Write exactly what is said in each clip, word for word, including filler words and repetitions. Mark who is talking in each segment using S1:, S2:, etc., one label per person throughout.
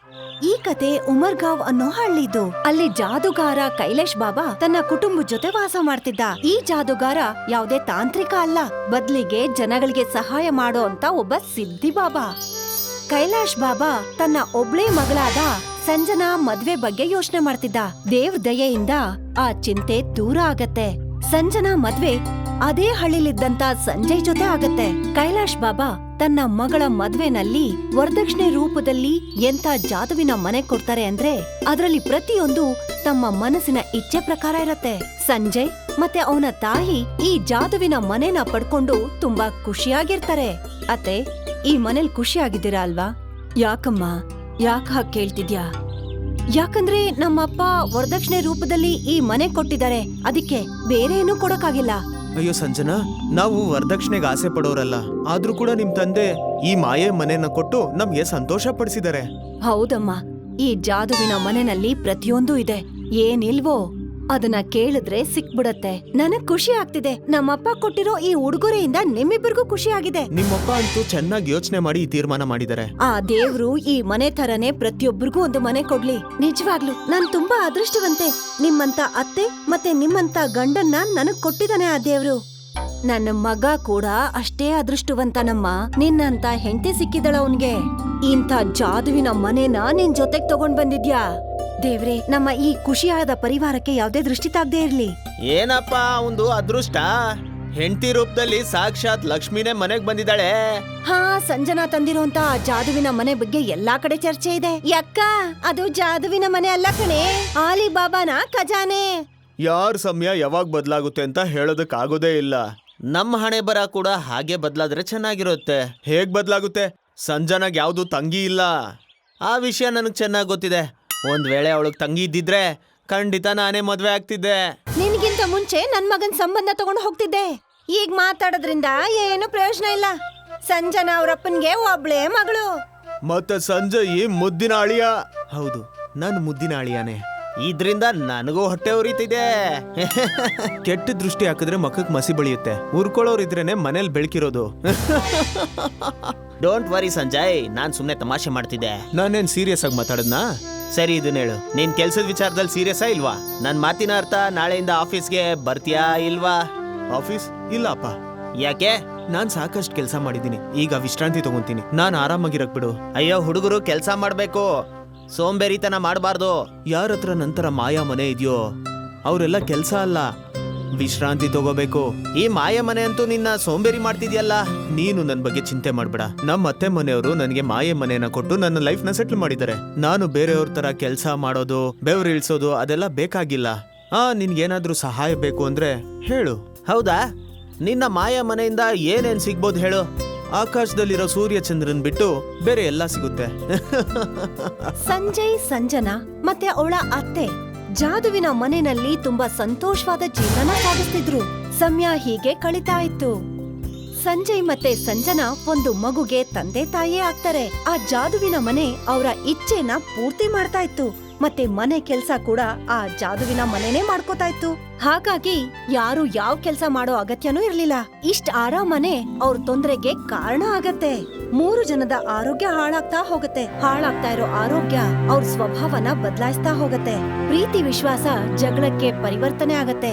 S1: ಈ ಕತೆ ಉಮರ್ಗಾಂವ್ ಅನ್ನೋ ಹಳ್ಳಿದು. ಅಲ್ಲಿ ಜಾದುಗಾರ ಕೈಲೇಶ್ ಬಾಬಾ ತನ್ನ ಕುಟುಂಬದ ಜೊತೆ ವಾಸ ಮಾಡ್ತಿದ್ದ. ಈ ಜಾದುಗಾರ ಯಾವುದೇ ತಾಂತ್ರಿಕ ಅಲ್ಲ, ಬದ್ಲಿಗೆ ಜನಗಳಿಗೆ ಸಹಾಯ ಮಾಡೋ ಅಂತ ಒಬ್ಬ ಸಿದ್ಧಿ ಬಾಬಾ. ಕೈಲಾಶ್ ಬಾಬಾ ತನ್ನ ಒಬ್ಳೇ ಮಗಳಾದ ಸಂಜನಾ ಮದ್ವೆ ಬಗ್ಗೆ ಯೋಚನೆ ಮಾಡ್ತಿದ್ದ. ದೇವ್ರ ದಯೆಯಿಂದ ಆ ಚಿಂತೆ ದೂರ ಆಗತ್ತೆ. ಸಂಜನಾ ಮದ್ವೆ ಅದೇ ಹಳ್ಳಿಲಿದ್ದಂತ ಸಂಜಯ್ ಜೊತೆ ಆಗತ್ತೆ. ಕೈಲಾಶ್ ಬಾಬಾ ತನ್ನ ಮಗಳ ಮದ್ವೆನಲ್ಲಿ ವರದಕ್ಷಿಣೆ ರೂಪದಲ್ಲಿ ಎಂತ ಜಾದುವಿನ ಮನೆ ಕೊಡ್ತಾರೆ ಅಂದ್ರೆ ಅದರಲ್ಲಿ ಪ್ರತಿಯೊಂದು ತಮ್ಮ ಮನಸ್ಸಿನ ಇಚ್ಛೆ ಪ್ರಕಾರ ಇರತ್ತೆ. ಸಂಜಯ್ ಮತ್ತೆ ಅವನ ತಾಯಿ ಈ ಜಾದುವಿನ ಮನೆನ ಪಡ್ಕೊಂಡು ತುಂಬಾ ಖುಷಿಯಾಗಿರ್ತಾರೆ. ಅತ್ತೆ, ಈ ಮನೇಲಿ ಖುಷಿಯಾಗಿದ್ದೀರಾ ಅಲ್ವಾ? ಯಾಕಮ್ಮ, ಯಾಕ ಹಾಗೆ ಕೇಳ್ತಿದ್ಯಾ? ಯಾಕಂದ್ರೆ ನಮ್ಮಪ್ಪ ವರದಕ್ಷಿಣೆ ರೂಪದಲ್ಲಿ ಈ ಮನೆ ಕೊಟ್ಟಿದ್ದಾರೆ, ಅದಕ್ಕೆ ಬೇರೆ ಏನೂ ಕೊಡಕ್ಕಾಗಿಲ್ಲ.
S2: ಅಯ್ಯೋ ಸಂಜನಾ, ನಾವು ವರದಕ್ಷಿಣೆಗೆ ಆಸೆ ಪಡೋರಲ್ಲ, ಆದ್ರೂ ಕೂಡ ನಿಮ್ ತಂದೆ ಈ ಮಾಯೆ ಮನೆನ ಕೊಟ್ಟು ನಮ್ಗೆ ಸಂತೋಷ ಪಡಿಸಿದ್ದಾರೆ.
S1: ಹೌದಮ್ಮ, ಈ ಜಾದುವಿನ ಮನೆಯಲ್ಲಿ ಪ್ರತಿಯೊಂದು ಇದೆ. ಏನಿಲ್ವೋ ಅದನ್ನ ಕೇಳಿದ್ರೆ ಸಿಕ್ಬಿಡತ್ತೆ. ನನಗ್ ಖುಷಿ ಆಗ್ತಿದೆ. ನಮ್ಮಪ್ಪ ಕೊಟ್ಟಿರೋ ಈ ಉಡುಗೊರೆಯಿಂದ ನಿಮ್ಮಿಬ್ಬರಿಗೂ ಖುಷಿ ಆಗಿದೆ.
S2: ನಿಮ್ಮಪ್ಪ ಅಂತೂ ಚೆನ್ನಾಗಿ ಯೋಚನೆ ಮಾಡಿ ಈ ತೀರ್ಮಾನ ಮಾಡಿದ್ದಾರೆ.
S1: ಆ ದೇವ್ರು ಈ ಮನೆ ತರನೇ ಪ್ರತಿಯೊಬ್ಬರಿಗೂ ಒಂದು ಮನೆ ಕೊಡ್ಲಿ. ನಿಜವಾಗ್ಲು ನಾನ್ ತುಂಬಾ ಅದೃಷ್ಟವಂತೆ. ನಿಮ್ಮಂತ ಅತ್ತೆ ಮತ್ತೆ ನಿಮ್ಮಂತ ಗಂಡನ್ನ ನನಗ್ ಕೊಟ್ಟಿದ್ದಾನೆ ಆ ದೇವ್ರು. ನನ್ನ ಮಗ ಕೂಡ ಅಷ್ಟೇ ಅದೃಷ್ಟವಂತನಮ್ಮ. ನಿನ್ನಂತ ಹೆಂಡತಿ ಸಿಕ್ಕಿದಳ ಅವನ್ಗೆ. ಇಂಥ ಜಾದುವಿನ ಮನೆನ ನಿನ್ ಜೊತೆಗ್ ತಗೊಂಡ್ ಬಂದಿದ್ಯಾ. ದೇವ್ರೆ, ನಮ್ಮ ಈ ಖುಷಿಯಾದ ಪರಿವಾರಕ್ಕೆ ಯಾವ್ದೇ ದೃಷ್ಟಿ ತಾಗ್ದೇ ಇರ್ಲಿ.
S2: ಏನಪ್ಪ ಒಂದು ಅದೃಷ್ಟ, ಹೆಂಡತಿ ರೂಪದಲ್ಲಿ ಸಾಕ್ಷಾತ್ ಲಕ್ಷ್ಮಿನೇ ಮನೆಗ್ ಬಂದಿದ್ದಾಳೆ.
S1: ಹಾ, ಸಂಜನಾ ತಂದಿರೋಂತ ಆ ಜಾದುವಿನ ಮನೆ ಬಗ್ಗೆ ಎಲ್ಲಾ ಕಡೆ ಚರ್ಚೆ ಇದೆ. ಯಕ್ಕ, ಅದು ಜಾದುವಿನ ಮನೆ ಅಲ್ಲ ಕಣೆ, ಆಲಿಬಾಬಾನ ಖಜಾನೆ.
S2: ಯಾರ ಸಮಯ ಯಾವಾಗ ಬದಲಾಗುತ್ತೆ ಅಂತ ಹೇಳೋದಕ್ ಆಗೋದೇ ಇಲ್ಲ. ನಮ್ಮ ಹಣೆ ಬರ ಕೂಡ ಹಾಗೆ ಬದಲಾದ್ರೆ ಚೆನ್ನಾಗಿರುತ್ತೆ. ಹೇಗ್ ಬದಲಾಗುತ್ತೆ? ಸಂಜನಾಗ್ ಯಾವ್ದು ತಂಗಿ ಇಲ್ಲ. ಆ ವಿಷಯ ನನಗ್ ಚೆನ್ನಾಗ್ ಗೊತ್ತಿದೆ. ಒಂದ್ ವೇಳೆ ಅವಳಗ್ ತಂಗಿ ಇದ್ದಿದ್ರೆ ಖಂಡಿತ ನಾನೇ ಮದ್ವೆ ಆಗ್ತಿದ್ದೆ.
S1: ನಿನ್ಗಿಂತ ಮುಂಚೆ ನನ್ ಮಗನ್ ಸಂಬಂಧ ತಗೊಂಡು ಹೋಗ್ತಿದ್ದೆ. ಈಗ ಮಾತಾಡೋದ್ರಿಂದ ಏನು ಪ್ರಯೋಜನ ಇಲ್ಲ. ಸಂಜನಾ ಅವ್ರಪ್ಪನ್ಗೆ ಒಬ್ಳೇ ಮಗಳು.
S2: ಮತ್ತೆ ಸಂಜಯ್ ಮುದ್ದಿನ ಅಳಿಯ. ಹೌದು, ನಾನು ಮುದ್ದಿನ ಅಳಿಯಾನೆ. ಇದ್ರಿಂದ ನನಗೂ ಹೊಟ್ಟೆ ಉರಿತಿದೆ. ಕೆಟ್ಟ ದೃಷ್ಟಿ ಹಾಕಿದ್ರೆ ಮಕ್ಕಕ್ ಮಸಿ ಬಳಿಯುತ್ತೆ. ಉರ್ಕೊಳ್ಳೋರ್ ಇದ್ರೇನೆ ಮನೇಲಿ ಬೆಳಕಿರೋದು. ಡೋಂಟ್ ವರಿ ಸಂಜಯ್, ನಾನ್ ಸುಮ್ನೆ ತಮಾಷೆ ಮಾಡ್ತಿದ್ದೆ. ನಾನೇನ್ ಸೀರಿಯಸ್ ಆಗಿ ಮಾತಾಡದ್ನಾ? ಸರಿ, ಇದನ್ನ ಹೇಳು, ನೀನ್ ಕೆಲ್ಸದ ವಿಚಾರದಲ್ಲಿ ಸೀರಿಯಸ್ಸಾ ಇಲ್ವಾ? ನನ್ ಮಾತಿನ ಅರ್ಥ ನಾಳೆಯಿಂದ ಆಫೀಸ್ಗೆ ಬರ್ತೀಯಾ ಇಲ್ವಾ? ಆಫೀಸ್ ಇಲ್ಲ ಅಪ್ಪ. ಯಾಕೆ? ನಾನ್ ಸಾಕಷ್ಟು ಕೆಲಸ ಮಾಡಿದೀನಿ, ಈಗ ವಿಶ್ರಾಂತಿ ತಗೊಂತೀನಿ. ನಾನ್ ಆರಾಮಾಗಿರಕ್ ಬಿಡು. ಅಯ್ಯೋ ಹುಡುಗರು ಕೆಲ್ಸ ಮಾಡ್ಬೇಕು, ಸೋಂಬೇರಿತನ ಮಾಡಬಾರ್ದು. ಯಾರ ಹತ್ರ ನಂತರ ಮಾಯಾ ಮನೆ ಇದೆಯೋ ಅವರೆಲ್ಲ ಕೆಲ್ಸ ಅಲ್ಲ, ವಿಶ್ರಾಂತಿ ತಗೋಬೇಕು. ಈ ಮಾಯ ಮನೆ ಅಂತೂ ನಿನ್ನ ಸೋಂಬೇರಿ ಮಾಡ್ತಿದ್ಯಲ್ಲ. ನೀನು ನನ್ ಬಗ್ಗೆ ಚಿಂತೆ ಮಾಡ್ಬೇಡ. ನಮ್ಮ ಅತ್ತೆ ಮನೆಯವರು ನನಗೆ ಮಾಯೆ ಮನೆಯನ್ನ ಕೊಟ್ಟು ನನ್ನ ಲೈಫ್ ನ ಸೆಟ್ಲ್ ಮಾಡಿದ್ದಾರೆ. ನಾನು ಬೇರೆಯವ್ರ ತರ ಕೆಲ್ಸ ಮಾಡೋದು, ಬೆವರು ಇಳಿಸೋದು ಅದೆಲ್ಲ ಬೇಕಾಗಿಲ್ಲ. ಆ ನಿನ್ಗೇನಾದ್ರೂ ಸಹಾಯ ಬೇಕು ಅಂದ್ರೆ ಹೇಳು. ಹೌದಾ? ನಿನ್ನ ಮಾಯ ಮನೆಯಿಂದ ಏನೇನ್ ಸಿಗ್ಬೋದು ಹೇಳು? ಆಕಾಶದಲ್ಲಿರೋ ಸೂರ್ಯ ಚಂದ್ರನ್ ಬಿಟ್ಟು ಬೇರೆ ಎಲ್ಲ ಸಿಗುತ್ತೆ.
S1: ಸಂಜಯ್, ಸಂಜನಾ ಮತ್ತೆ ಅವಳ ಅತ್ತೆ ಜಾದುವಿನ ಮನೆಯಲ್ಲಿ ತುಂಬಾ ಸಂತೋಷವಾದ ಜೀವನ ಸಾಗಿಸ್ತಿದ್ರು. ಸಮಯ ಹೀಗೆ ಕಳೀತಾ ಇತ್ತು. ಸಂಜಯ್ ಮತ್ತೆ ಸಂಜನಾ ಒಂದು ಮಗುಗೆ ತಂದೆ ತಾಯಿಯೇ ಆಗ್ತಾರೆ. ಆ ಜಾದುವಿನ ಮನೆ ಅವರ ಇಚ್ಛೆನ ಪೂರ್ತಿ ಮಾಡ್ತಾ ಇತ್ತು. ಮತ್ತೆ ಮನೆ ಕೆಲ್ಸ ಕೂಡ ಆ ಜಾದುವಿನ ಮನೆನೇ ಮಾಡ್ಕೋತಾ ಇತ್ತು. ಹಾಗಾಗಿ ಯಾರು ಯಾವ ಕೆಲ್ಸ ಮಾಡೋ ಅಗತ್ಯನೂ ಇರ್ಲಿಲ್ಲ. ಇಷ್ಟ ಆರಾಮನೆ ಅವ್ರ ತೊಂದರೆಗೆ ಕಾರಣ ಆಗತ್ತೆ. ಮೂರು ಜನದ ಆರೋಗ್ಯ ಹಾಳಾಗ್ತಾ ಹೋಗತ್ತೆ. ಹಾಳಾಗ್ತಾ ಇರೋ ಆರೋಗ್ಯ ಅವ್ರ ಸ್ವಭಾವನ ಬದಲಾಯಿಸ್ತಾ ಹೋಗತ್ತೆ. ಪ್ರೀತಿ ವಿಶ್ವಾಸ ಜಗಳಕ್ಕೆ ಪರಿವರ್ತನೆ ಆಗತ್ತೆ.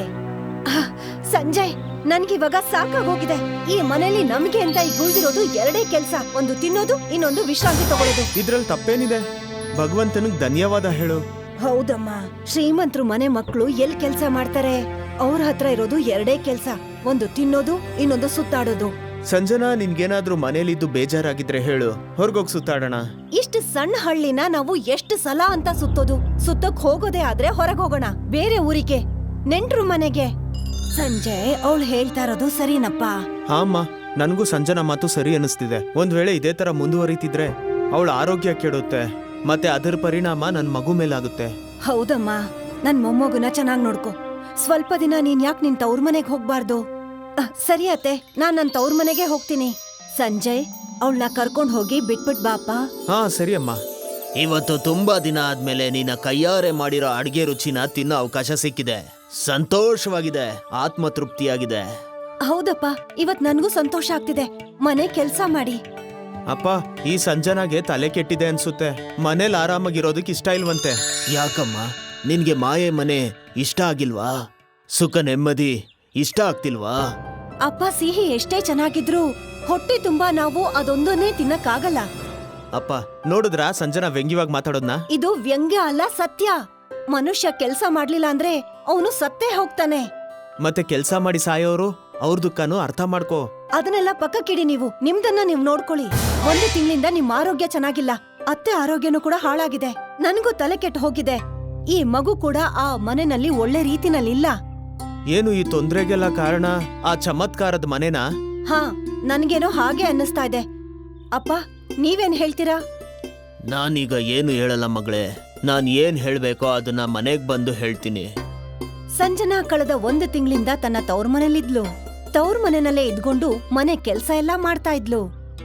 S1: ಸಂಜಯ್, ನನ್ಗಿವಾಗ ಸಾಕಾಗೋಗಿದೆ. ಈ ಮನೇಲಿ ನಮ್ಗೆ ಅಂತ ಈಗ ಉಳಿದಿರೋದು ಎರಡೇ ಕೆಲ್ಸ, ಒಂದು ತಿನ್ನೋದು, ಇನ್ನೊಂದು ವಿಶ್ರಾಂತಿ ತಗೊಳ್ಳೋದು.
S2: ಇದ್ರಲ್ಲಿ ತಪ್ಪೇನಿದೆ? ಭಗವಂತನಿಗೆ ಧನ್ಯವಾದ ಹೇಳು.
S1: ಹೌದಮ್ಮ, ಶ್ರೀಮಂತರು ಮನೆ ಮಕ್ಕಳು ಎಲ್ ಕೆಲ್ಸ ಮಾಡ್ತಾರೆ? ಅವ್ರ ಹತ್ರ ಇರೋದು ಎರಡೇ ಕೆಲ್ಸ, ಒಂದು ತಿನ್ನೋದು, ಇನ್ನೊಂದು ಸುತ್ತಾಡೋದು.
S2: ಸಂಜನಾ, ನಿನ್ಗೇನಾದ್ರೂ ಮನೇಲಿದ್ದು ಬೇಜಾರಾಗಿದ್ರೆ ಹೇಳು, ಹೊರಗೋಗ್ ಸುತ್ತಾಡೋಣ.
S1: ಇಷ್ಟು ಸಣ್ಣ ಹಳ್ಳಿನ ನಾವು ಎಷ್ಟು ಸಲ ಅಂತ ಸುತ್ತೋದು? ಸುತ್ತಕ್ ಹೋಗೋದೇ ಆದ್ರೆ ಹೊರಗೋಗೋಣ, ಬೇರೆ ಊರಿಗೆ, ನೆಂಟ್ರು ಮನೆಗೆ. ಸಂಜಯ್, ಅವಳು ಹೇಳ್ತಾ ಇರೋದು ಸರಿನಪ್ಪ.
S2: ಹಾ ಅಮ್ಮ, ನನ್ಗೂ ಸಂಜನಾ ಮಾತು ಸರಿ ಅನಿಸ್ತಿದೆ. ಒಂದ್ ವೇಳೆ ಇದೇ ತರ ಮುಂದುವರಿತಿದ್ರೆ ಅವಳ ಆರೋಗ್ಯ ಕೆಡುತ್ತೆ, ಮತ್ತೆ ಅದರ ಪರಿಣಾಮ ನನ್ ಮಗು ಮೇಲಾಗುತ್ತೆ.
S1: ಹೌದಮ್ಮ, ನನ್ ಮೊಮ್ಮಗುನ ಚೆನ್ನಾಗ್ ನೋಡ್ಕೊ. ಸ್ವಲ್ಪ ದಿನ ನೀನ್ ಯಾಕೆ ನಿನ್ ತವ್ರ ಮನೆಗ್ ಹೋಗ್ಬಾರ್ದು? ಸರಿ ಅತ್ತೆ, ನಾನ್ ನನ್ ತವ್ರ ಮನೆಗೆ ಹೋಗ್ತೀನಿ. ಸಂಜಯ್, ಅವಳನ್ನ ಕರ್ಕೊಂಡ್ ಹೋಗಿ ಬಿಟ್ಬಿಟ್ ಬಾಪ.
S2: ಹಾ ಸರಿ ಅಮ್ಮ. ಇವತ್ತು ತುಂಬಾ ದಿನ ಆದ್ಮೇಲೆ ನಿನ್ನ ಕೈಯಾರೆ ಮಾಡಿರೋ ಅಡ್ಗೆ ರುಚಿನ ತಿನ್ನೋ ಅವಕಾಶ ಸಿಕ್ಕಿದೆ. ಸಂತೋಷವಾಗಿದೆ, ಆತ್ಮ ತೃಪ್ತಿಯಾಗಿದೆ.
S1: ಹೌದಪ್ಪ, ಇವತ್ ನನ್ಗೂ ಸಂತೋಷ ಆಗ್ತಿದೆ. ಮನೆ ಕೆಲ್ಸ ಮಾಡಿ
S2: ಅಪ್ಪ, ಈ ಸಂಜನಾಗೆ ತಲೆ ಕೆಟ್ಟಿದೆ ಅನ್ಸುತ್ತೆ. ಮನೇಲಿ ಆರಾಮಾಗಿರೋದಕ್ಕೆ ಇಷ್ಟ ಇಲ್ವಂತೆ. ಯಾಕಮ್ಮ, ನಿನ್ಗೆ ಮಾಯೆ ಮನೆ ಇಷ್ಟ ಆಗಿಲ್ವಾ? ಸುಖ ನೆಮ್ಮದಿ ಇಷ್ಟ ಆಗ್ತಿಲ್ವಾ?
S1: ಅಪ್ಪ, ಸಿಹಿ ಎಷ್ಟೇ ಚೆನ್ನಾಗಿದ್ರು ಹೊಟ್ಟೆ ತುಂಬಾ ನಾವು ಅದೊಂದನ್ನೇ ತಿನ್ನಕ್ಕಾಗಲ್ಲ.
S2: ಅಪ್ಪ ನೋಡಿದ್ರಾ ಸಂಜನಾ ವ್ಯಂಗ್ಯವಾಗಿ ಮಾತಾಡೋದ್ನ?
S1: ಇದು ವ್ಯಂಗ್ಯ ಅಲ್ಲ, ಸತ್ಯ. ಮನುಷ್ಯ ಕೆಲ್ಸ ಮಾಡ್ಲಿಲ್ಲ ಅಂದ್ರೆ ಅವನು ಸತ್ತೇ ಹೋಗ್ತಾನೆ.
S2: ಮತ್ತೆ ಕೆಲ್ಸ ಮಾಡಿ ಸಾಯೋರು ಅವ್ರ ದುಃಖನೂ ಅರ್ಥ ಮಾಡ್ಕೋ.
S1: ಅದನ್ನೆಲ್ಲ ಪಕ್ಕಕ್ಕಿಡಿ. ನೀವು ನಿಮ್ದನ್ನ ನೀವ್ ನೋಡ್ಕೊಳ್ಳಿ. ಒಂದು ತಿಂಗಳಿಂದ ನಿಮ್ ಆರೋಗ್ಯ ಚೆನ್ನಾಗಿಲ್ಲ, ಅತ್ತೆ ಆರೋಗ್ಯನೂ ಕೂಡ ಹಾಳಾಗಿದೆ. ನನ್ಗೂ ತಲೆ ಕೆಟ್ಟು ಹೋಗಿದೆ. ಈ ಮಗು ಕೂಡ ಆ ಮನೆಯಲ್ಲಿ ಒಳ್ಳೆ ರೀತಿನಲ್ಲಿಲ್ಲ.
S2: ಏನು ಈ ತೊಂದ್ರೆಗೆಲ್ಲ ಕಾರಣ ಆ ಚಮತ್ಕಾರದ ಮನೆನಾ?
S1: ಹಾ, ನನ್ಗೇನೋ ಹಾಗೆ ಅನ್ನಿಸ್ತಾ ಇದೆ. ಅಪ್ಪ, ನೀವೇನ್ ಹೇಳ್ತೀರಾ?
S2: ನಾನೀಗ ಏನು ಹೇಳಲ್ಲ ಮಗಳೇ. ನಾನ್ ಏನ್ ಹೇಳ್ಬೇಕೋ ಅದನ್ನ ಮನೆಗ್ ಬಂದು ಹೇಳ್ತೀನಿ.
S1: ಸಂಜನಾ ಕಳೆದ ಒಂದು ತಿಂಗಳಿಂದ ತನ್ನ ತವ್ರ ಮನೇಲಿದ್ಲು. ತವ್ರ ಮನೆಯಲ್ಲೇ ಇದ್ಕೊಂಡು ಮನೆ ಕೆಲ್ಸ ಎಲ್ಲಾ ಮಾಡ್ತಾ ಇದ್ಲು.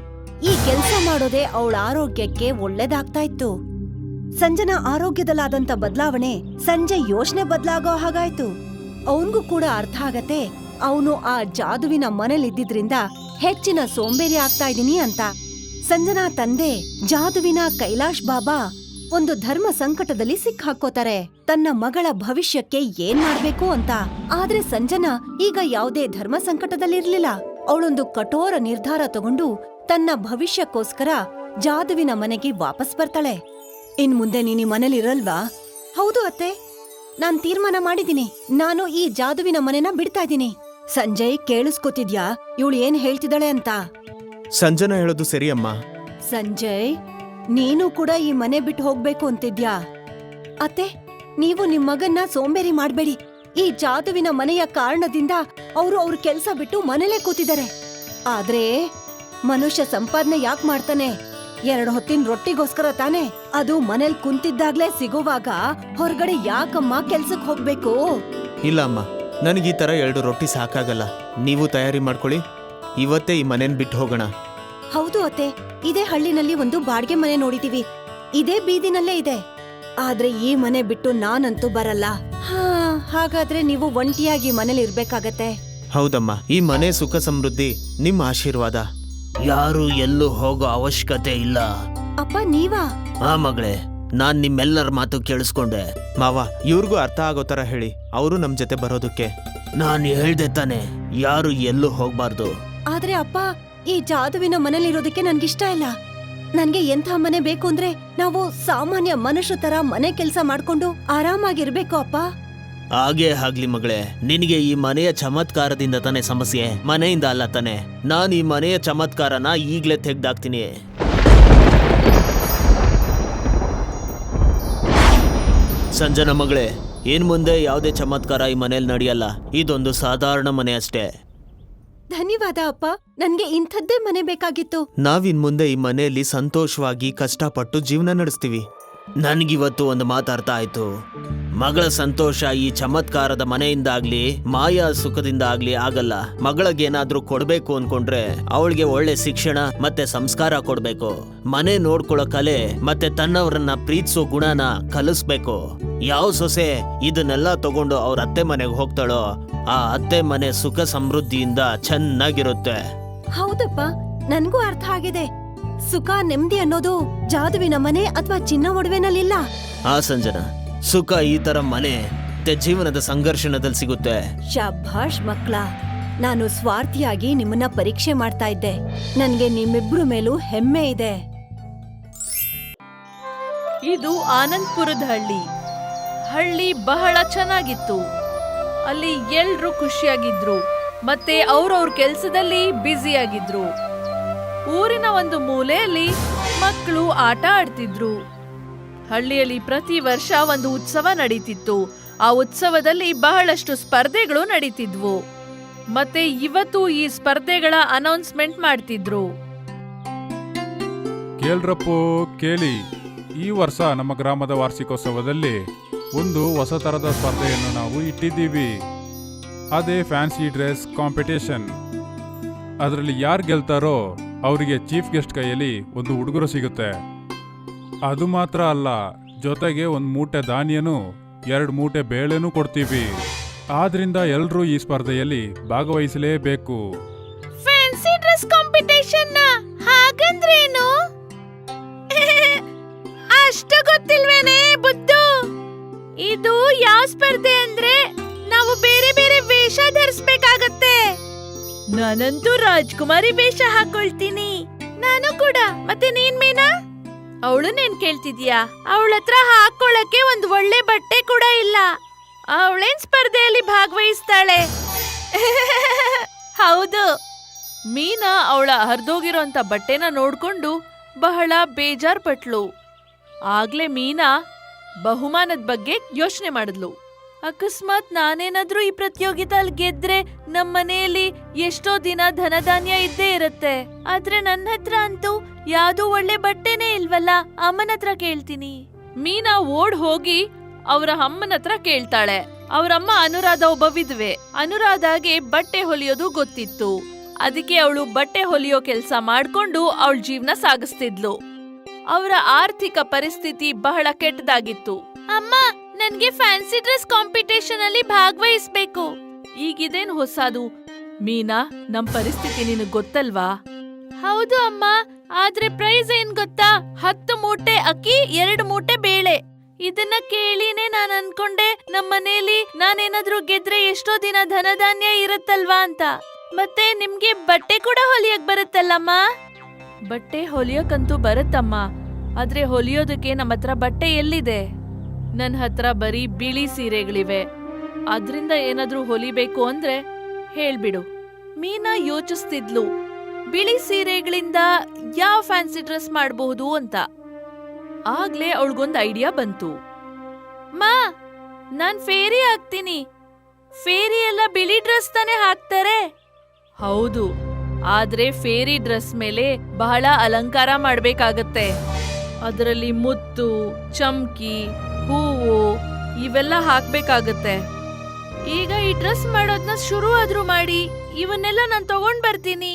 S1: ಈ ಕೆಲ್ಸ ಮಾಡೋದೇ ಅವಳ ಆರೋಗ್ಯಕ್ಕೆ ಒಳ್ಳೇದಾಗ್ತಾ ಇತ್ತು. ಸಂಜನಾ ಆರೋಗ್ಯದಲ್ಲಾದಂತ ಬದಲಾವಣೆ ಸಂಜೆ ಯೋಚನೆ ಬದಲಾಗೋ ಹಾಗಾಯ್ತು. ಅವನ್ಗೂ ಕೂಡ ಅರ್ಥ ಆಗತ್ತೆ ಅವನು ಆ ಜಾದುವಿನ ಮನೇಲಿದ್ದಿದ್ರಿಂದ ಹೆಚ್ಚಿನ ಸೋಂಬೇರಿ ಆಗ್ತಾ ಇದೀನಿ ಅಂತ. ಸಂಜನಾ ತಂದೆ ಜಾದುವಿನ ಕೈಲಾಶ್ ಬಾಬಾ ಒಂದು ಧರ್ಮ ಸಂಕಟದಲ್ಲಿ ಸಿಕ್ಕಾಕೋತಾರೆ, ತನ್ನ ಮಗಳ ಭವಿಷ್ಯಕ್ಕೆ ಏನ್ ಮಾಡ್ಬೇಕು ಅಂತ. ಆದ್ರೆ ಸಂಜನಾ ಈಗ ಯಾವುದೇ ಧರ್ಮ ಸಂಕಟದಲ್ಲಿರ್ಲಿಲ್ಲ. ಅವಳೊಂದು ಕಠೋರ ನಿರ್ಧಾರ ತಗೊಂಡು ತನ್ನ ಭವಿಷ್ಯಕ್ಕೋಸ್ಕರ ಜಾದುವಿನ ಮನೆಗೆ ವಾಪಸ್ ಬರ್ತಾಳೆ. ಇನ್ ಮುಂದೆ ನೀನ್ ಈ ಮನೇಲಿರಲ್ವಾ? ಹೌದು ಅತ್ತೆ, ನಾನ್ ತೀರ್ಮಾನ ಮಾಡಿದೀನಿ. ನಾನು ಈ ಜಾದುವಿನ ಮನೆನ ಬಿಡ್ತಾ ಇದೀನಿ. ಸಂಜಯ್, ಕೇಳಿಸ್ಕೊತಿದ್ಯಾ ಇವಳು ಏನ್ ಹೇಳ್ತಿದ್ದಾಳೆ ಅಂತ?
S2: ಸಂಜನಾ ಹೇಳೋದು ಸರಿ ಅಮ್ಮ.
S1: ಸಂಜಯ್, ನೀನು ಕೂಡ ಈ ಮನೆ ಬಿಟ್ಟು ಹೋಗ್ಬೇಕು ಅಂತಿದ್ಯಾ? ಅತ್ತೆ, ನೀವು ನಿಮ್ ಮಗನ್ನ ಸೋಂಬೇರಿ ಮಾಡ್ಬೇಡಿ. ಈ ಜಾದುವಿನ ಮನೆಯ ಕಾರಣದಿಂದ ಅವರು ಅವ್ರ ಕೆಲ್ಸ ಬಿಟ್ಟು ಮನೇಲೇ ಕೂತಿದ್ದಾರೆ. ಆದ್ರೆ ಮನುಷ್ಯ ಸಂಪಾದನೆ ಯಾಕ್ ಮಾಡ್ತಾನೆ? ಎರಡು ಹೊತ್ತಿನ ರೊಟ್ಟಿಗೋಸ್ಕರ ತಾನೆ. ಅದು ಮನೇಲ್ ಕುಂತಿದ್ದಾಗ್ಲೇ ಸಿಗುವಾಗ ಹೊರಗಡೆ ಯಾಕಮ್ಮ ಕೆಲ್ಸಕ್ ಹೋಗ್ಬೇಕು?
S2: ಇಲ್ಲ ಅಮ್ಮ, ನನಗೆ ಈ ತರ ಎರಡು ರೊಟ್ಟಿ ಸಾಕಾಗಲ್ಲ. ನೀವು ತಯಾರಿ ಮಾಡ್ಕೊಳ್ಳಿ, ಇವತ್ತೇ ಈ ಮನೇನ್ ಬಿಟ್ಟು ಹೋಗೋಣ.
S1: ಹೌದು ಅತ್ತೆ, ಇದೇ ಹಳ್ಳಿನಲ್ಲಿ ಒಂದು ಬಾಡ್ಗೆ ಮನೆ ನೋಡಿದೀವಿ. ಇದೇ ಬೀದಿನಲ್ಲೇ ಇದೆ. ಆದ್ರೆ ಈ ಮನೆ ಬಿಟ್ಟು ನಾನಂತೂ ಬರಲ್ಲ. ಹಾ, ಹಾಗಾದ್ರೆ ನೀವು ಒಂಟಿಯಾಗಿ ಮನೇಲಿ ಇರ್ಬೇಕಾಗತ್ತೆ.
S2: ಹೌದಮ್ಮ, ಈ ಮನೆ ಸುಖ ಸಮೃದ್ಧಿ ನಿಮ್ಮ ಆಶೀರ್ವಾದ. ಯಾರು ಎಲ್ಲೂ ಹೋಗೋ ಅವಶ್ಯಕತೆ ಇಲ್ಲ.
S1: ಅಪ್ಪ, ನೀವಾ?
S2: ಆ ಮಗಳೇ, ನಾನ್ ನಿಮ್ಮೆಲ್ಲರ ಮಾತು ಕೇಳಿಸ್ಕೊಂಡೆ. ಮಾವ, ಇವ್ರಿಗೂ ಅರ್ಥ ಆಗೋ ತರ ಹೇಳಿ, ಅವರು ನಮ್ ಜೊತೆ ಬರೋದಕ್ಕೆ. ನಾನ್ ಹೇಳ್ದೆ ತಾನೆ, ಯಾರು ಎಲ್ಲೂ ಹೋಗ್ಬಾರ್ದು.
S1: ಆದ್ರೆ ಅಪ್ಪ, ಈ ಜಾದುವಿನ ಮನೇಲಿರೋದಕ್ಕೆ ನನ್ಗಿಷ್ಟ ಇಲ್ಲ. ನನ್ಗೆ ಎಂಥ ಮನೆ ಬೇಕು ಅಂದ್ರೆ ನಾವು ಸಾಮಾನ್ಯ ಮನುಷ್ಯ ತರ ಮನೆ ಕೆಲ್ಸ ಮಾಡ್ಕೊಂಡು ಆರಾಮಾಗಿರ್ಬೇಕು ಅಪ್ಪ.
S2: ಹಾಗೇ ಆಗ್ಲಿ ಮಗಳೇ, ನಿನಗೆ ಈ ಮನೆಯ ಚಮತ್ಕಾರದಿಂದ ತಾನೇ ಸಮಸ್ಯೆ, ಮನೆಯಿಂದ ಅಲ್ಲ ತಾನೆ. ನಾನು ಈ ಮನೆಯ ಚಮತ್ಕಾರನ ಈಗ್ಲೇ ತೆಗ್ದಾಕ್ತೀನಿ. ಸಂಜನಾ ಮಗಳೇ, ಇನ್ ಮುಂದೆ ಯಾವುದೇ ಚಮತ್ಕಾರ ಈ ಮನೇಲಿ ನಡೆಯಲ್ಲ. ಇದೊಂದು ಸಾಧಾರಣ ಮನೆ ಅಷ್ಟೇ.
S1: ಧನ್ಯವಾದ ಅಪ್ಪ, ನನ್ಗೆ ಇಂಥದ್ದೇ ಮನೆ ಬೇಕಾಗಿತ್ತು.
S2: ನಾವಿನ್ ಮುಂದೆ ಈ ಮನೆಯಲ್ಲಿ ಸಂತೋಷವಾಗಿ ಕಷ್ಟಪಟ್ಟು ಜೀವನ ನಡೆಸ್ತೀವಿ. ನನ್ಗಿವತ್ತು ಒಂದು ಮಾತಾಡ್ತಾ ಆಯ್ತು. ಮಗಳ ಸಂತೋಷ ಈ ಚಮತ್ಕಾರದ ಮನೆಯಿಂದಾಗ್ಲಿ ಮಾಯಾ ಸುಖದಿಂದ ಆಗ್ಲಿ ಆಗಲ್ಲ. ಮಗಳಿಗೇನಾದ್ರೂ ಕೊಡ್ಬೇಕು ಅನ್ಕೊಂಡ್ರೆ ಅವಳಿಗೆ ಒಳ್ಳೆ ಶಿಕ್ಷಣ ಮತ್ತೆ ಸಂಸ್ಕಾರ ಕೊಡ್ಬೇಕು. ಮನೆ ನೋಡ್ಕೊಳ್ಳೋ ಕಲೆ ಮತ್ತೆ ತನ್ನವರನ್ನ ಪ್ರೀತಿಸೋ ಗುಣನ ಕಲಿಸ್ಬೇಕು. ಯಾವ ಸೊಸೆ ಇದನ್ನೆಲ್ಲ ತಗೊಂಡು ಅವ್ರ ಅತ್ತೆ ಮನೆಗೆ ಹೋಗ್ತಾಳೋ ಆ ಅತ್ತೆ ಮನೆ ಸುಖ ಸಮೃದ್ಧಿಯಿಂದ ಚೆನ್ನಾಗಿರುತ್ತೆ.
S1: ಹೌದಪ್ಪ, ನನ್ಗೂ ಅರ್ಥ ಆಗಿದೆ. ಸುಖ ನೆಮ್ಮದಿ ಅನ್ನೋದು ಜಾದುವಿನ ಮನೆ ಅಥವಾ ಚಿನ್ನ ಒಡವೆನಲ್ಲಿಲ್ಲ.
S2: ಆ ಸಂಜನಾ, ಸುಖ ಈ ತರ ಮನೆ ಮತ್ತೆ ಜೀವನದ ಸಂಘರ್ಷಣದಲ್ಲಿ ಸಿಗುತ್ತೆ.
S1: ಶಾಭಾಷ್ ಮಕ್ಳ, ನಾನು ಸ್ವಾರ್ಥಿಯಾಗಿ ನಿಮ್ಮನ್ನ ಪರೀಕ್ಷೆ ಮಾಡ್ತಾ ಇದ್ದೆ. ನನ್ಗೆ ನಿಮ್ಮಿಬ್ರು ಮೇಲೂ ಹೆಮ್ಮೆ ಇದೆ.
S3: ಇದು ಆನಂದ್ಪುರದ ಹಳ್ಳಿ. ಹಳ್ಳಿ ಬಹಳ ಚೆನ್ನಾಗಿತ್ತು. ಅಲ್ಲಿ ಎಲ್ರೂ ಖುಷಿಯಾಗಿದ್ರು ಮತ್ತೆ ಅವ್ರವ್ರ ಕೆಲ್ಸದಲ್ಲಿ ಬ್ಯುಸಿಯಾಗಿದ್ರು. ಊರಿನ ಒಂದು ಮೂಲೆಯಲ್ಲಿ ಮಕ್ಕಳು ಆಟ ಆಡ್ತಿದ್ರು. ಹಳ್ಳಿಯಲ್ಲಿ ಪ್ರತಿ ವರ್ಷ ಒಂದು ಉತ್ಸವ ನಡೀತಿತ್ತು. ಆ ಉತ್ಸವದಲ್ಲಿ ಬಹಳಷ್ಟು ಸ್ಪರ್ಧೆಗಳು ನಡೀತಿದ್ವು. ಮತ್ತೆ ಇವತ್ತು ಈ ಸ್ಪರ್ಧೆಗಳ ಅನೌನ್ಸ್ಮೆಂಟ್ ಮಾಡ್ತಿದ್ರು.
S4: ಕೇಳ್ರಪ್ಪೋ ಕೇಳಿ, ಈ ವರ್ಷ ನಮ್ಮ ಗ್ರಾಮದ ವಾರ್ಷಿಕೋತ್ಸವದಲ್ಲಿ ಒಂದು ಹೊಸ ತರದ ಸ್ಪರ್ಧೆಯನ್ನು ನಾವು ಇಟ್ಟಿದ್ದೀವಿ. ಅದೇ ಫ್ಯಾನ್ಸಿ ಡ್ರೆಸ್ ಕಾಂಪಿಟೇಷನ್. ಅದರಲ್ಲಿ ಯಾರು ಗೆಲ್ತಾರೋ ಅವರಿಗೆ ಚೀಫ್ ಗೆಸ್ಟ್ ಕೈಯಲ್ಲಿ ಒಂದು ಉಡುಗೊರೆ ಸಿಗುತ್ತೆ. ಅದು ಮಾತ್ರ ಅಲ್ಲ, ಜೊತೆಗೆ ಒಂದು ಮೂಟೆ ಧಾನ್ಯನು ಎರಡು ಮೂಟೆ ಬೇಳೆನೂ ಕೊಡ್ತೀವಿ. ಆದ್ರಿಂದ ಎಲ್ಲರೂ ಈ ಸ್ಪರ್ಧೆಯಲ್ಲಿ ಭಾಗವಹಿಸಲೇಬೇಕು.
S3: ಫ್ಯಾನ್ಸಿ ಡ್ರೆಸ್ ಕಾಂಪಿಟೇಷನ್ ಹಾಗಂದ್ರೇನು? ಅಷ್ಟು ಗೊತ್ತಿಲ್ವೇನೆ ಬುದ್ದು? ಇದು ಯಾವ ಸ್ಪರ್ಧೆ ಅಂದ್ರೆ ನಾವು ಬೇರೆ ಬೇರೆ ವೇಷ ಧರಿಸ್ಬೇಕಾಗತ್ತೆ. ನಾನಂತೂ ರಾಜ್ಕುಮಾರಿ ವೇಷ ಹಾಕೊಳ್ತೀನಿ. ನಾನು ಕೂಡ. ಮತ್ತೆ ನೀನ್ ಮೀನಾ? ಅವಳು ನೇನ್ ಕೇಳ್ತಿದ್ಯಾ? ಅವಳ ಹತ್ರ ಹಾಕೊಳ್ಳಕ್ಕೆ ಒಂದ್ ಒಳ್ಳೆ ಬಟ್ಟೆ ಕೂಡ ಇಲ್ಲ. ಅವಳೇನ್ ಸ್ಪರ್ಧೆಯಲ್ಲಿ ಭಾಗವಹಿಸ್ತಾಳೆ? ಹೌದು. ಮೀನಾ ಅವಳ ಹರಿದೋಗಿರೋಂತ ಬಟ್ಟೆನ ನೋಡ್ಕೊಂಡು ಬಹಳ ಬೇಜಾರ್ ಪಟ್ಲು. ಆಗ್ಲೇ ಮೀನಾ ಬಹುಮಾನದ ಬಗ್ಗೆ ಯೋಚನೆ ಮಾಡಿದ್ಲು. ಅಕಸ್ಮಾತ್ ನಾನೇನಾದ್ರೂ ಈ ಪ್ರತಿಯೋಗಿತಲ್ಲಿ ಗೆದ್ರೆ ನಮ್ ಮನೆಯಲ್ಲಿ ಎಷ್ಟೋ ದಿನ ಧನಧಾನ್ಯ ಇದ್ದೇ ಇರತ್ತೆ. ಆದ್ರೆ ನನ್ನ ಹತ್ರ ಅಂತೂ ಯಾವ್ದೋ ಒಳ್ಳೆ ಬಟ್ಟೆನೇ ಇಲ್ವಲ್ಲ. ಅಮ್ಮನ ಹತ್ರ ಕೇಳ್ತೀನಿ. ಮೀನಾ ಓಡ್ ಹೋಗಿ ಅವರ ಅಮ್ಮನ ಹತ್ರ ಕೇಳ್ತಾಳೆ. ಅವರಮ್ಮ ಅನುರಾಧ ಒಬ್ಬ ವಿಧವೆ. ಅನುರಾಧಾಗೆ ಬಟ್ಟೆ ಹೊಲಿಯೋದು ಗೊತ್ತಿತ್ತು. ಅದಕ್ಕೆ ಅವಳು ಬಟ್ಟೆ ಹೊಲಿಯೋ ಕೆಲ್ಸ ಮಾಡ್ಕೊಂಡು ಅವಳ ಜೀವನ ಸಾಗಿಸ್ತಿದ್ಲು. ಅವರ ಆರ್ಥಿಕ ಪರಿಸ್ಥಿತಿ ಬಹಳ ಕೆಟ್ಟದಾಗಿತ್ತು. ಅಮ್ಮ, ನನ್ಗೆ ಫ್ಯಾನ್ಸಿ ಡ್ರೆಸ್ ಕಾಂಪಿಟೇಷನ್ ಅಲ್ಲಿ ಭಾಗವಹಿಸ್ಬೇಕು. ಈಗಿದೇನ್ ಹೊಸದು ಮೀನಾ? ನಮ್ ಪರಿಸ್ಥಿತಿ ನಿನಗ್ ಗೊತ್ತಲ್ವಾ? ಹೌದು ಅಮ್ಮ, ಆದ್ರೆ ಪ್ರೈಸ್ ಏನ್ ಗೊತ್ತಾ? ಹತ್ತು ಮೂಟೆ ಅಕ್ಕಿ, ಎರಡು ಮೂಟೆ ಬೇಳೆ. ಇದನ್ನ ಕೇಳಿನೇ ನಾನ್ ಅನ್ಕೊಂಡೆ ನಮ್ ಮನೇಲಿ ನಾನೇನಾದ್ರೂ ಗೆದ್ರೆ ಎಷ್ಟೋ ದಿನ ಧನಧಾನ್ಯ ಇರತ್ತಲ್ವಾ ಅಂತ. ಮತ್ತೆ ನಿಮ್ಗೆ ಬಟ್ಟೆ ಕೂಡ ಹೊಲಿಯಕ್ ಬರುತ್ತಲ್ಲಮ್ಮ? ಬಟ್ಟೆ ಹೊಲಿಯೋಕಂತೂ ಬರುತ್ತಮ್ಮ, ಆದ್ರೆ ಹೊಲಿಯೋದಕ್ಕೆ ನಮ್ಮ ಹತ್ರ ಬಟ್ಟೆ ಎಲ್ಲಿದೆ? ನನ್ ಹತ್ರ ಬರೀ ಬಿಳಿ ಸೀರೆಗಳಿವೆ. ಅದ್ರಿಂದ ಏನಾದ್ರೂ ಹೊಲಿಬೇಕು ಅಂದ್ರೆ ಹೇಳ್ಬಿಡು. ಮೀನಾ ಯೋಚಿಸ್ತಿದ್ಲು, ಬಿಳಿ ಸೀರೆಗಳಿಂದ ಯಾವ ಫ್ಯಾನ್ಸಿ ಡ್ರೆಸ್ ಮಾಡಬಹುದು ಅಂತ. ಆಗ್ಲೇ ಅವಳಿಗೊಂದು ಐಡಿಯಾ ಬಂತು. ಮಾ, ನಾನ್ ಫೇರಿ ಹಾಕ್ತೀನಿ. ಫೇರಿ ಎಲ್ಲ ಬಿಳಿ ಡ್ರೆಸ್ ತಾನೇ ಹಾಕ್ತಾರೆ? ಹೌದು, ಆದ್ರೆ ಫೇರಿ ಡ್ರೆಸ್ ಮೇಲೆ ಬಹಳ ಅಲಂಕಾರ ಮಾಡ್ಬೇಕಾಗತ್ತೆ. ಅದರಲ್ಲಿ ಮುತ್ತು, ಚಮ್ಕಿ, ಹೂವು ಇವೆಲ್ಲ ಹಾಕ್ಬೇಕಾಗತ್ತೆ. ಈಗ ಈ ಡ್ರೆಸ್ ಮಾಡೋದ್ನ ಶುರು ಆದ್ರೂ ಮಾಡಿ, ಇವನ್ನೆಲ್ಲ ನಾನ್ ತಗೊಂಡ್ ಬರ್ತೀನಿ.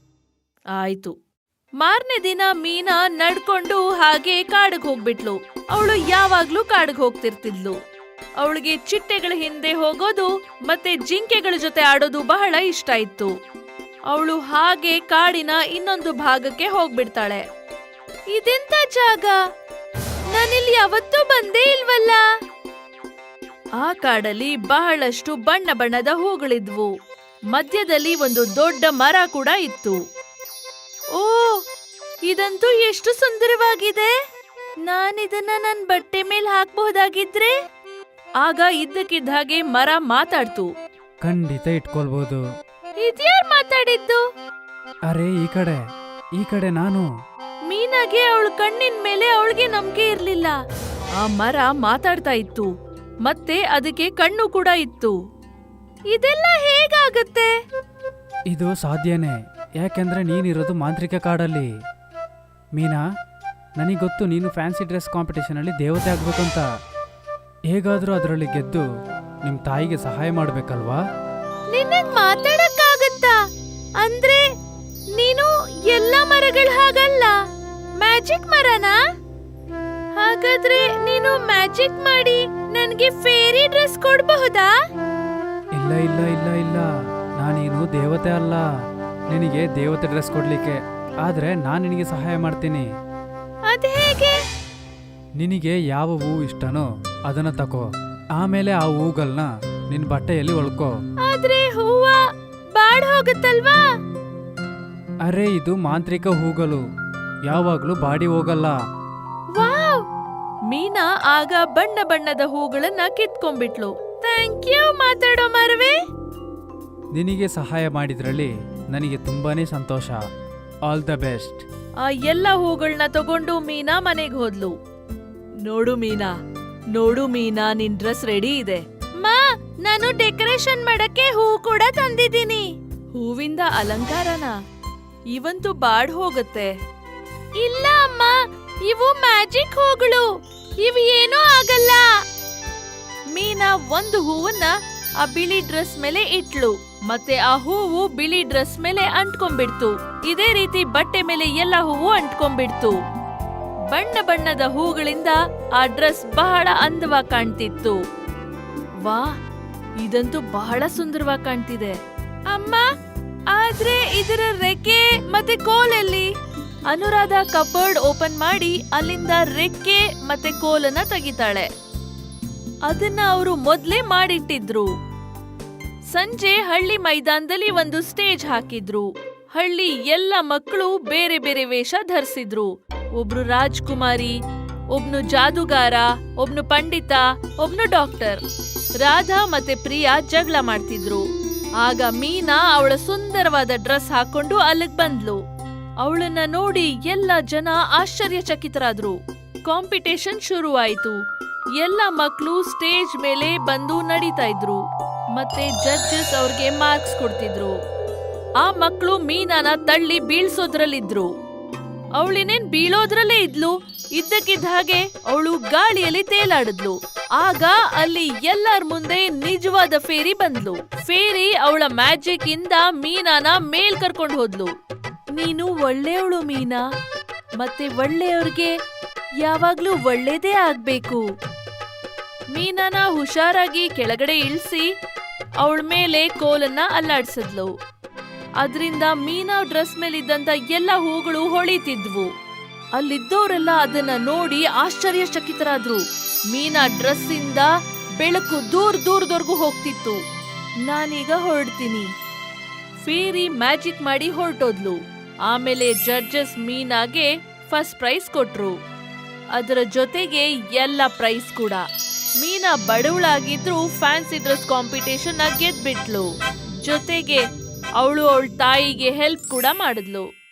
S3: ಆಯ್ತು. ಮಾರನೇ ದಿನ ಮೀನಾ ನಡ್ಕೊಂಡು ಹಾಗೆ ಕಾಡಿಗೆ ಹೋಗ್ಬಿಟ್ಲು. ಅವಳು ಯಾವಾಗ್ಲೂ ಕಾಡಿಗೆ ಹೋಗ್ತಿರ್ತಿದ್ಲು. ಅವಳಿಗೆ ಚಿಟ್ಟೆಗಳ ಹಿಂದೆ ಹೋಗೋದು ಮತ್ತೆ ಜಿಂಕೆಗಳ ಜೊತೆ ಆಡೋದು ಬಹಳ ಇಷ್ಟ ಇತ್ತು. ಅವಳು ಹಾಗೆ ಕಾಡಿನ ಇನ್ನೊಂದು ಭಾಗಕ್ಕೆ ಹೋಗ್ಬಿಡ್ತಾಳೆ. ಇದೆಂತ ಜಾಗ? ನಾನಿಲ್ಲಿ ಯಾವತ್ತೂ ಬಂದೇ ಇಲ್ವಲ್ಲ. ಆ ಕಾಡಲ್ಲಿ ಬಹಳಷ್ಟು ಬಣ್ಣ ಬಣ್ಣದ ಹೂಗಳಿದ್ವು. ಮಧ್ಯದಲ್ಲಿ ಒಂದು ದೊಡ್ಡ ಮರ ಕೂಡ ಇತ್ತು. ಓ, ಇದಂತೂ ಎಷ್ಟು ಸುಂದರವಾಗಿದೆ. ನಾನಿದನ್ನ ನನ್ ಬಟ್ಟೆ ಮೇಲೆ ಹಾಕ್ಬಹುದಾಗಿದ್ರೆ? ಆಗ ಇದ್ದಕ್ಕಿದ್ದ ಹಾಗೆ ಮರ ಮಾತಾಡ್ತು.
S5: ಖಂಡಿತ ಇಟ್ಕೊಳ್ಬಹುದು.
S3: ಇದ್ಯಾರ್ ಮಾತಾಡಿದ್ದು?
S5: ಅರೆ, ಈ ಕಡೆ ಈ ಕಡೆ ನಾನು.
S3: ಮೀನಾಗೆ ಅವಳ ಕಣ್ಣಿನ ಮೇಲೆ ಅವಳಿಗೆ ನಂಬಿಕೆ ಇರ್ಲಿಲ್ಲ. ಆ ಮರ ಮಾತಾಡ್ತಾ ಇತ್ತು, ಮತ್ತೆ ಅದಕ್ಕೆ ಕಣ್ಣು ಕೂಡ ಇತ್ತು. ಇದೆಲ್ಲ ಹೇಗಾಗತ್ತೆ?
S5: ಇದು ಸಾಧ್ಯನೇ, ಯಾಕೆಂದ್ರೆ ನೀನಿರೋದು ಮಾಂತ್ರಿಕ ಕಾಡಲ್ಲಿ. ಮೀನಾ, ನನಗೆ ಗೊತ್ತು ನೀನು ಫ್ಯಾನ್ಸಿ ಡ್ರೆಸ್ ಕಾಂಪಿಟೇಷನ್ ಅಲ್ಲಿ ದೇವತೆ ಆಗ್ಬೇಕಂತ. ಹೇಗಾದ್ರೂ ಅದರಲ್ಲಿ ಗೆದ್ದು ನಿಮ್ ತಾಯಿಗೆ ಸಹಾಯ ಮಾಡ್ಬೇಕಲ್ವಾ?
S3: ನಿನ್ನಗ್ ಮಾತಾಡಕ್ಕಾಗತ್ತಾ? ಅಂದ್ರೆ ನೀನು ಎಲ್ಲ ಮರಗಳ ಹಾಗಲ್ಲ, ಮ್ಯಾಜಿಕ್ ಮರನಾ? ಹಾಗಾದ್ರೆ ನೀನು ಮ್ಯಾಜಿಕ್ ಮಾಡಿ ನನ್ಗೆ ಫೇರಿ ಡ್ರೆಸ್ ಕೊಡಬಹುದಾ?
S5: ಇಲ್ಲ ಇಲ್ಲ ಇಲ್ಲ ಇಲ್ಲ, ನಾನೇನು ದೇವತೆ ಅಲ್ಲ ನಿನಗೆ ದೇವತೆ ಡ್ರೆಸ್ ಕೊಡ್ಲಿಕ್ಕೆ. ಆದ್ರೆ ನಾನು ನಿನಗೆ ಸಹಾಯ ಮಾಡ್ತೀನಿ.
S3: ಅದ್ ಹೇಗೆ?
S5: ನಿನಗೆ ಯಾವ ಹೂವು ಇಷ್ಟನೋ ಅದನ್ನ ತಕೋ. ಆಮೇಲೆ ಆ ಹೂಗಳನ್ನ ನಿನ್ ಬಟ್ಟೆಯಲ್ಲಿ ಒಳ್ಕೋ.
S3: ಆದ್ರೆ ಹೂವ ಬಾಡ್ ಹೋಗುತ್ತಲ್ವಾ?
S5: ಅರೆ, ಇದು ಮಾಂತ್ರಿಕ ಹೂಗಳು, ಯಾವಾಗ್ಲೂ ಬಾಡಿ ಹೋಗಲ್ಲ.
S3: ವಾವ್! ಮೀನಾ ಆಗ ಬಣ್ಣ ಬಣ್ಣದ ಹೂಗಳನ್ನ ಕಿತ್ಕೊಂಡ್ಬಿಟ್ಲು. ಥ್ಯಾಂಕ್ ಯು ಮಾತಾಡೋ ಮರವೇ.
S5: ನಿನಗೆ ಸಹಾಯ ಮಾಡಿದ್ರಲ್ಲಿ ನನಗೆ ತುಂಬಾನೇ ಸಂತೋಷ. All the best.
S3: ಆ ಎಲ್ಲ ಹೂಗಳನ್ನ ತಗೊಂಡು ಮೀನಾ ಮನೆಗೆ ಹೋದ್ಲು. ನೋಡು ಮೀನಾ, ನೋಡು ಮೀನಾ, ನಿನ್ ಡ್ರೆಸ್ ರೆಡಿ ಇದೆ. ಮಾ, ನಾನು ಡೆಕೋರೇಷನ್ ಮಾಡಕ್ಕೆ ಹೂ ಕೂಡ ತಂದಿದ್ದೀನಿ. ಹೂವಿಂದ ಅಲಂಕಾರನ? ಇವಂತೂ ಬಾಡ್ ಹೋಗುತ್ತೆ. ಇಲ್ಲ ಅಮ್ಮ, ಇವು ಮ್ಯಾಜಿಕ್ ಹೂಗಳು, ಇವು ಏನೂ ಆಗಲ್ಲ. ಮೀನಾ ಒಂದು ಹೂವನ್ನ ಆ ಬಿಳಿ ಡ್ರೆಸ್ ಮೇಲೆ ಇಟ್ಲು, ಮತ್ತೆ ಆ ಹೂವು ಬಿಳಿ ಡ್ರೆಸ್ ಮೇಲೆ ಅಂಟ್ಕೊಂಡ್ಬಿಡ್ತು. ಇದೇ ರೀತಿ ಬಟ್ಟೆ ಮೇಲೆ ಎಲ್ಲ ಹೂವು ಅಂಟ್ಕೊಂಡ್ಬಿಡ್ತು. ಬಣ್ಣ ಬಣ್ಣದ ಹೂಗಳಿಂದ ಆ ಡ್ರೆಸ್ ಬಹಳ ಅಂದವಾಗಿ ಕಾಣ್ತಿತ್ತು. ವಾ, ಇದಂತೂ ಬಹಳ ಸುಂದರವಾಗಿ ಕಾಣ್ತಿದೆ. ಅಮ್ಮ, ಆದ್ರೆ ಇದರ ರೆಕ್ಕೆ ಮತ್ತೆ ಕೋಲೆಲ್ಲಿ? ಅನುರಾಧ ಕಬೋರ್ಡ್ ಓಪನ್ ಮಾಡಿ ಅಲ್ಲಿಂದ ರೆಕ್ಕೆ ಮತ್ತೆ ಕೋಲನ್ನ ತೆಗಿತಾಳೆ. ಅದನ್ನ ಅವರು ಮೊದ್ಲೇ ಮಾಡಿಟ್ಟಿದ್ರು. ಸಂಜೆ ಹಳ್ಳಿ ಮೈದಾನದಲ್ಲಿ ಒಂದು ಸ್ಟೇಜ್ ಹಾಕಿದ್ರು. ಹಳ್ಳಿ ಎಲ್ಲ ಮಕ್ಕಳು ಬೇರೆ ಬೇರೆ ವೇಷ ಧರಿಸಿದ್ರು. ಒಬ್ರು ರಾಜ್ಕುಮಾರಿ, ಒಬ್ನು ಜಾದುಗಾರ, ಒಬ್ನು ಪಂಡಿತ, ಒಬ್ನು ಡಾಕ್ಟರ್. ರಾಧಾ ಮತ್ತೆ ಪ್ರಿಯಾ ಜಗಳ ಮಾಡ್ತಿದ್ರು. ಆಗ ಮೀನಾ ಅವಳ ಸುಂದರವಾದ ಡ್ರೆಸ್ ಹಾಕೊಂಡು ಅಲ್ಲಿಗ್ ಬಂದ್ಲು. ಅವಳನ್ನ ನೋಡಿ ಎಲ್ಲ ಜನ ಆಶ್ಚರ್ಯಚಕಿತರಾದ್ರು. ಕಾಂಪಿಟೇಷನ್ ಶುರುವಾಯಿತು. ಎಲ್ಲ ಮಕ್ಕಳು ಸ್ಟೇಜ್ ಮೇಲೆ ಬಂದು ನಡೀತಾ ಇದ್ರು ಮತ್ತೆ ಜಡ್ಜಸ್ ಅವ್ರಿಗೆ ಮಾರ್ಕ್ಸ್ ಕೊಡ್ತಿದ್ರು. ಆ ಮಕ್ಕಳು ಮೀನಾನ ತಳ್ಳಿ ಬೀಳ್ಸೋದ್ರಲ್ಲಿದ್ರು. ಅವಳಿನೇನ್ ಬೀಳೋದ್ರಲ್ಲೇ ಇದ್ಲು. ಇದ್ದಕ್ಕಿದ್ದ ಹಾಗೆ ಅವಳು ಗಾಳಿಯಲ್ಲಿ ತೇಲಾಡಿದ್ಲು. ಆಗ ಅಲ್ಲಿ ಎಲ್ಲರ ಮುಂದೆ ನಿಜವಾದ ಫೇರಿ ಬಂದ್ಲು. ಫೇರಿ ಅವಳ ಮ್ಯಾಜಿಕ್ ಇಂದ ಮೀನಾನ ಮೇಲ್ ಕರ್ಕೊಂಡು ಹೋದ್ಲು. ನೀನು ಒಳ್ಳೆಯವಳು ಮೀನಾ, ಮತ್ತೆ ಒಳ್ಳೆಯವ್ರಿಗೆ ಯಾವಾಗ್ಲೂ ಒಳ್ಳೇದೇ ಆಗ್ಬೇಕು. ಮೀನಾನ ಹುಷಾರಾಗಿ ಕೆಳಗಡೆ ಇಳಿಸಿ ಅವಳ ಮೇಲೆ ಕೋಲನ್ನ ಅಲ್ಲಾಡ್ಸಿದ್ಲು. ಅದ್ರಿಂದ ಮೀನಾ ಡ್ರೆಸ್ ಮೇಲಿದ್ದಂತ ಎಲ್ಲ ಹೂಗಳು ಹೊಳಿತಿದ್ವು. ಅಲ್ಲಿದ್ದವರೆಲ್ಲ ಅದನ್ನ ನೋಡಿ ಆಶ್ಚರ್ಯಚಕಿತರಾದ್ರು. ಮೀನಾ ಡ್ರೆಸ್ ಇಂದ ಬೆಳಕು ದೂರ ದೂರದವರೆಗೂ ಹೋಗ್ತಿತ್ತು. ನಾನೀಗ ಹೊರಡ್ತೀನಿ. ಫೇರಿ ಮ್ಯಾಜಿಕ್ ಮಾಡಿ ಹೊರಟೋದ್ಲು. ಆಮೇಲೆ ಜಡ್ಜಸ್ ಮೀನಾಗೆ ಫಸ್ಟ್ ಪ್ರೈಸ್ ಕೊಟ್ರು. ಅದರ ಜೊತೆಗೆ ಎಲ್ಲ ಪ್ರೈಸ್ ಕೂಡ. ಮೀನಾ ಬಡವಳಾಗಿದ್ರು ಫ್ಯಾನ್ಸಿ ಡ್ರೆಸ್ ಕಾಂಪಿಟೇಷನ್ ಗೆದ್ಬಿಟ್ಲು. ಜೊತೆಗೆ ಅವಳು ಅವಳ ತಾಯಿಗೆ ಹೆಲ್ಪ್ ಕೂಡ ಮಾಡಿದ್ಲು.